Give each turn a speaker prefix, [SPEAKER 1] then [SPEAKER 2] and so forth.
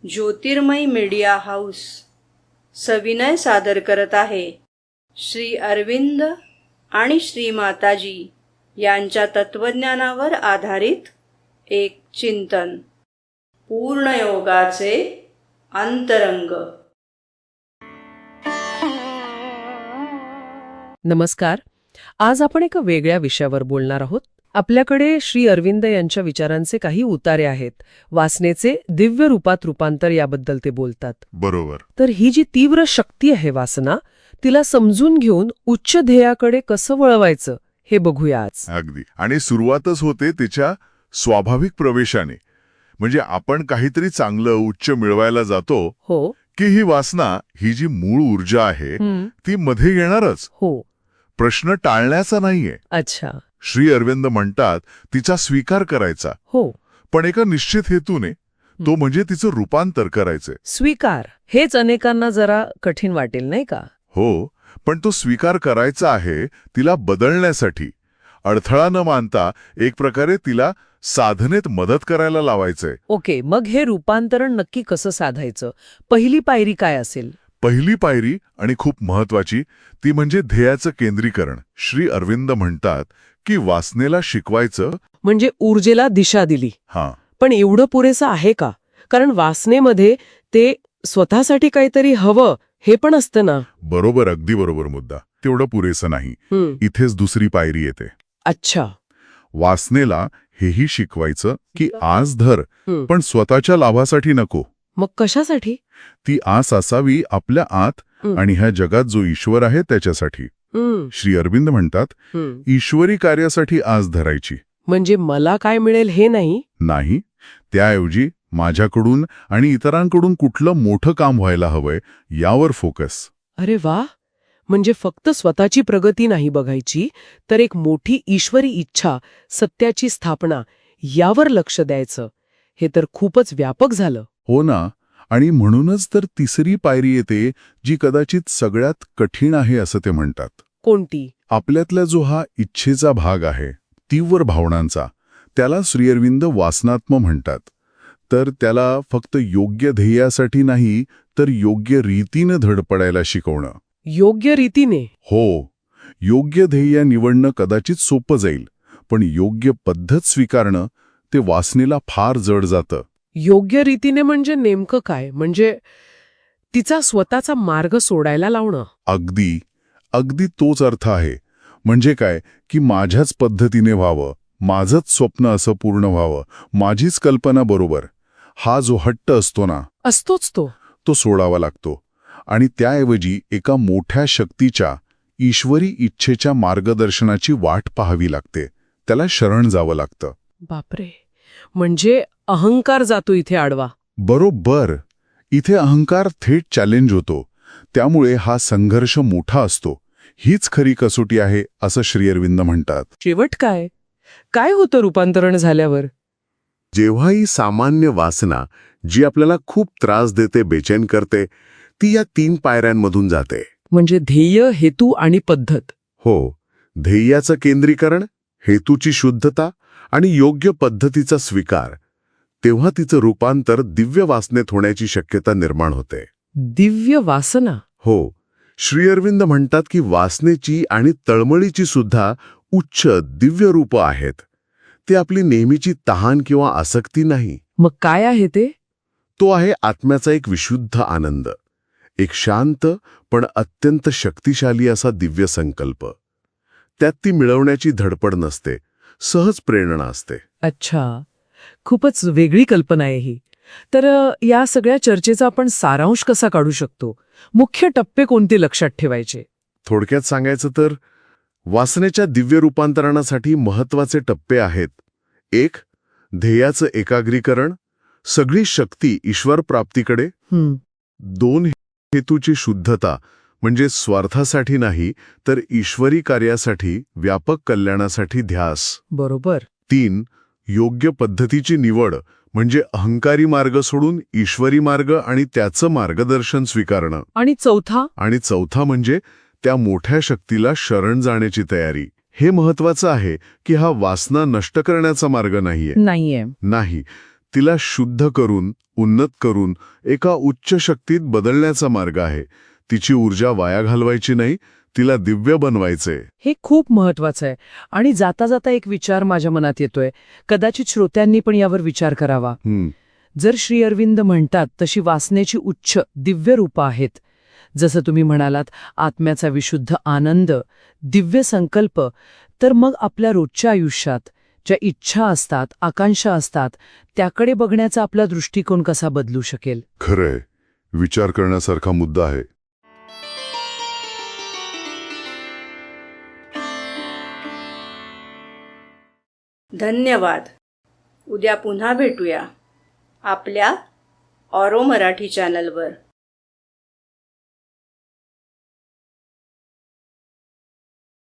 [SPEAKER 1] ज्योतिर्मय media house सविनय सादर करत आहे श्री अरविंद आणि श्री माताजी यांच्या तत्वज्ञानावर आधारित एक चिंतन, पूर्णयोगाचे अंतरंग.
[SPEAKER 2] नमस्कार. आज आपण एका वेगळ्या विषयावर बोलणार आहोत. आपल्याकडे श्री अरविंद यांच्या विचारांचे काही उतारे आहेत. वासनेचे दिव्य रूपात रूपांतर याबद्दल ते बोलतात.
[SPEAKER 3] बरोबर.
[SPEAKER 2] तर ही जी तीव्र शक्ती आहे वासना, तिला समजून घेऊन उच्च ध्येयाकडे कसं वळवायचं हे बघूया आज.
[SPEAKER 3] अगदी. आणि सुरुवातच होते तिच्या स्वाभाविक प्रवेशाने. म्हणजे आपण काहीतरी चांगलं उच्च मिळवायला जातो
[SPEAKER 2] हो
[SPEAKER 3] की ही वासना, ही जी मूळ ऊर्जा आहे ती मध्ये येणारच.
[SPEAKER 2] हो.
[SPEAKER 3] प्रश्न टाळण्याचा नाहीये.
[SPEAKER 2] अच्छा.
[SPEAKER 3] श्री अरविंद म्हणतात तिचा स्वीकार करायचा,
[SPEAKER 2] हो.
[SPEAKER 3] पण एका निश्चित हेतूने, तो म्हणजे तिचं रूपांतर करायचंय.
[SPEAKER 2] स्वीकार हेच अनेकांना जरा कठीण वाटेल, नाही का?
[SPEAKER 3] हो, पण तो स्वीकार करायचा आहे तिला बदलण्यासाठी. अडथळा न मानता एक प्रकारे तिला साधनेत मदत करायला लावायचंय.
[SPEAKER 2] ओके, मग हे रूपांतरण नक्की कसं साधायचं? पहिली पायरी काय असेल?
[SPEAKER 3] पहिली पायरी आणि खूप महत्वाची ती म्हणजे ध्येयाचं केंद्रीकरण. श्री अरविंद म्हणतात की वासनेला शिकवायचं
[SPEAKER 2] म्हणजे ऊर्जेला दिशा दिली.
[SPEAKER 3] हां,
[SPEAKER 2] पण एवढं पुरेसं आहे का? कारण वासनेमध्ये ते स्वतःसाठी काहीतरी हवं हे पण असतं ना.
[SPEAKER 3] बरोबर, अगदी बरोबर मुद्दा. तेवढं पुरेसं नाही. इथेच दुसरी पायरी येते.
[SPEAKER 2] अच्छा.
[SPEAKER 3] वासनेला हेही शिकवायचं की आस धर, पण स्वतःच्या लाभासाठी नको.
[SPEAKER 2] मग कशासाठी?
[SPEAKER 3] ती आस असावी आपल्या आत आणि ह्या जगात जो ईश्वर आहे त्याच्यासाठी. श्री अरविंद म्हणतात ईश्वरी कार्यासाठी आस धरायची.
[SPEAKER 2] म्हणजे मला काय मिळेल हे
[SPEAKER 3] नाही, त्याऐवजी माझ्याकडून आणि इतरांकडून कुठलं मोठं काम व्हायला हवंय यावर फोकस.
[SPEAKER 2] अरे वा. म्हणजे फक्त स्वतःची प्रगती नाही बघायची, तर एक मोठी ईश्वरी इच्छा, सत्याची स्थापना यावर लक्ष द्यायचं. हे तर खूपच व्यापक झालं.
[SPEAKER 3] हो ना. आणि म्हणूनच तर तिसरी पायरी येते जी कदाचित सगळ्यात कठीण आहे असं ते म्हणतात.
[SPEAKER 2] कोणती?
[SPEAKER 3] आपल्यातला जो हा इच्छेचा भाग आहे, तीव्र भावनांचा, त्याला श्री अरविंद वासनात्म म्हणतात. तर त्याला फक्त योग्य ध्येयासाठी नाही, तर योग्य रीतीनं धडपडायला शिकवणं.
[SPEAKER 2] योग्य रीतीने?
[SPEAKER 3] हो. योग्य ध्येय निवडणं कदाचित सोपं जाईल, पण योग्य पद्धत स्वीकारणं ते वासनेला फार जड जातं.
[SPEAKER 2] योग्य रीतीने म्हणजे नेमकं काय? म्हणजे तिचा स्वतःचा मार्ग सोडायला लावणं?
[SPEAKER 3] अगदी तोच अर्थ आहे. म्हणजे काय की माझ्याच पद्धतीने व्हावं, माझंच स्वप्न असं पूर्ण व्हावं, माझीच कल्पना बरोबर. हा जो हट्ट असतो ना,
[SPEAKER 2] असतोच
[SPEAKER 3] तो सोडावा लागतो. आणि त्याऐवजी एका मोठ्या शक्तीच्या, ईश्वरी इच्छेच्या मार्गदर्शनाची वाट पाहावी लागते. त्याला शरण जावं लागतं.
[SPEAKER 2] बापरे. म्हणजे अहंकार जातो इथे आडवा.
[SPEAKER 3] बरोबर. इथे अहंकार थेट चॅलेंज होतो. त्यामुळे हा संघर्ष मोठा असतो. हीच खरी कसोटी आहे असं श्री अरविंद म्हणतात.
[SPEAKER 2] शेवट काय? काय होतं रूपांतरण झाल्यावर?
[SPEAKER 3] जेव्हा ही सामान्य वासना, जी आपल्याला खूप त्रास देते, बेचैन करते, ती या 3 पायऱ्यांमधून जाते.
[SPEAKER 2] म्हणजे ध्येय, हेतू आणि पद्धत.
[SPEAKER 3] हो. ध्येयाचं केंद्रीकरण, हेतूची शुद्धता आणि योग्य पद्धतीचा स्वीकार. तेव्हा तिचं रूपांतर दिव्य वासनेत होण्याची शक्यता निर्माण होते.
[SPEAKER 2] दिव्य वासना?
[SPEAKER 3] हो. श्री अरविंद म्हणतात की वासनेची आणि तळमळीची सुद्धा उच्च दिव्य रूपं आहेत. ती आपली नेहमीची तहान किंवा आसक्ती नाही.
[SPEAKER 2] मग काय आहे ते?
[SPEAKER 3] तो आहे आत्म्याचा एक विशुद्ध आनंद, एक शांत पण अत्यंत शक्तिशाली असा दिव्य संकल्प. त्यात ती मिळवण्याची धडपड नसते, सहज प्रेरणा असते.
[SPEAKER 2] अच्छा. खूपच वेगळी कल्पना आहे ही. तर या सगळ्या चर्चेचा आपण सारांश कसा काढू शकतो? मुख्य टप्पे कोणते लक्षात ठेवायचे?
[SPEAKER 3] थोडक्यात सांगायचं तर वासनेच्या दिव्य रूपांतरणासाठी महत्वाचे टप्पे आहेत. 1. ध्येयाचं एकाग्रीकरण, सगळी शक्ती ईश्वर प्राप्तीकडे. 2. हेतूची शुद्धता, म्हणजे स्वार्थासाठी नाही तर ईश्वरी कार्यासाठी, व्यापक कल्याणासाठी ध्यास.
[SPEAKER 2] बरोबर.
[SPEAKER 3] 3. योग्य पद्धतीची निवड, म्हणजे अहंकारी मार्ग सोडून ईश्वरी मार्ग आणि त्याचं मार्गदर्शन स्वीकारणं.
[SPEAKER 2] आणि चौथा
[SPEAKER 3] म्हणजे त्या मोठ्या शक्तीला शरण जाण्याची तयारी. हे महत्वाचं आहे की हा वासना नष्ट करण्याचा मार्ग नाहीये.
[SPEAKER 2] नाहीये.
[SPEAKER 3] नाही, तिला शुद्ध करून, उन्नत करून एका उच्च शक्तीत बदलण्याचा मार्ग आहे. तिची ऊर्जा वाया घालवायची नाही, तिला दिव्य बनवायचे.
[SPEAKER 2] हे खूप महत्वाचं आहे. आणि जाता जाता एक विचार माझ्या मनात येतोय, कदाचित श्रोत्यांनी पण यावर विचार करावा. जर श्री अरविंद म्हणतात तशी वासनेची उच्च दिव्य रूपं आहेत, जसं तुम्ही म्हणालात आत्म्याचा विशुद्ध आनंद, दिव्य संकल्प, तर मग आपल्या रोजच्या आयुष्यात ज्या इच्छा असतात, आकांक्षा असतात, त्याकडे बघण्याचा आपला दृष्टिकोन कसा बदलू शकेल?
[SPEAKER 3] खरंय, विचार करण्यासारखा मुद्दा आहे.
[SPEAKER 1] धन्यवाद. उद्या पुन्हा भेटूया आपल्या ऑरो मराठी चॅनलवर.